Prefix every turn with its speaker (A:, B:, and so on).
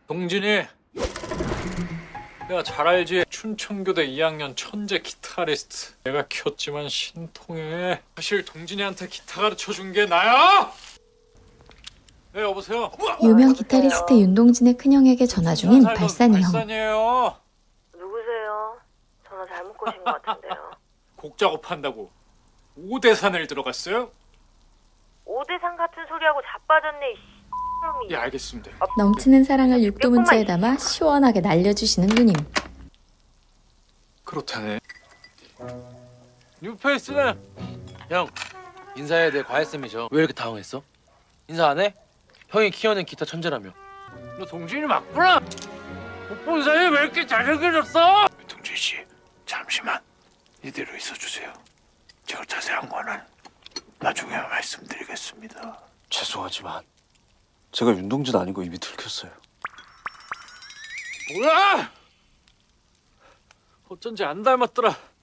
A: 동진이, 내가 잘 알지? 춘천교대 2학년 천재 기타리스트. 내가 키웠지만 신통해. 사실 동진이한테 기타 가르쳐준 게 나야! 네, 여보세요?
B: 유명 기타리스트 윤동진의 큰형에게 전화 중인 발산이 형.
A: 발산이에요.
C: 누구세요? 전화 잘못 거신 것 같은데요.
A: 곡 작업한다고 5대산을 들어갔어요?
C: 오대상 같은 소리하고 자빠졌네, 이 놈이.
A: 예, 알겠습니다.
B: 넘치는 사랑을 육두 문자에 담아 시원하게 날려주시는 누님.
A: 그렇다네. 뉴페이스는
D: 형, 인사해야 될 과외쌤이죠. 왜 이렇게 당황했어? 인사 안 해? 형이 키워낸 기타 천재라며.
A: 너 동진이 맞구나. 못 본 사이에 왜 이렇게 잘생겨졌어?
E: 동진 씨, 잠시만 이대로 있어주세요. 제가 자세한 거는 나중에 말씀드리겠습니다.
F: 죄송하지만 제가 윤동진 아니고 이미 들켰어요.
A: 뭐야? 어쩐지 안 닮았더라.